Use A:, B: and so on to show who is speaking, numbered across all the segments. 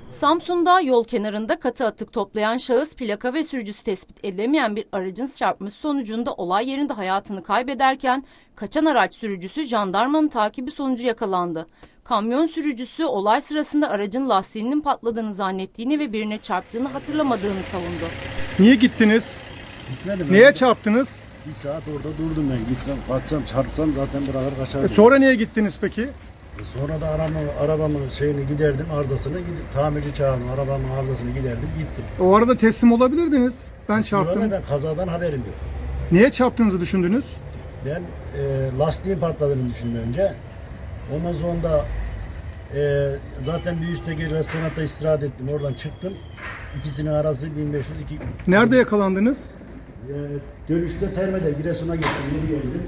A: Samsun'da yol kenarında katı atık toplayan şahıs plaka ve sürücüsü tespit edilemeyen bir aracın çarpması sonucunda olay yerinde hayatını kaybederken kaçan araç sürücüsü jandarmanın takibi sonucu yakalandı. Kamyon sürücüsü olay sırasında aracın lastiğinin patladığını zannettiğini ve birine çarptığını hatırlamadığını savundu.
B: Niye gittiniz?
C: Gitmedim.
B: Neye çarptınım?
C: Bir saat orada durdum ben. Gitsem, kaçsam, çarpsam zaten bırakır kaçardım.
B: Sonra niye gittiniz peki?
C: Sonra da arabamın şeyini giderdim, arızasını tamirci çağırdım. Arabamın arızasını giderdim, gittim.
B: O arada teslim olabilirdiniz. Ben çarptım.
C: Sonra ben kazadan haberim yok.
B: Niye çarptığınızı düşündünüz?
C: Ben lastiğin patladığını düşündüm önce. Ondan sonra da zaten bir üstteki restoranda istirahat ettim. Oradan çıktım. İkisinin arası 1502.
B: Nerede yakalandınız?
C: Dönüşte Terme'de Giresun'a gittim. Geri geldim.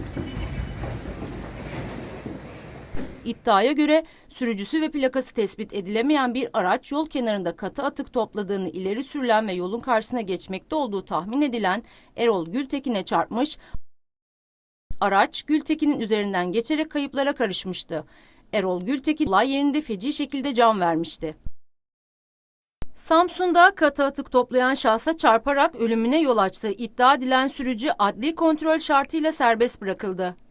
A: İddiaya göre sürücüsü ve plakası tespit edilemeyen bir araç yol kenarında katı atık topladığını ileri sürülen ve yolun karşısına geçmekte olduğu tahmin edilen Erol Gültekin'e çarpmış. Araç Gültekin'in üzerinden geçerek kayıplara karışmıştı. Erol Gültekin olay yerinde feci şekilde can vermişti. Samsun'da katı atık toplayan şahsa çarparak ölümüne yol açtığı iddia edilen sürücü adli kontrol şartıyla serbest bırakıldı.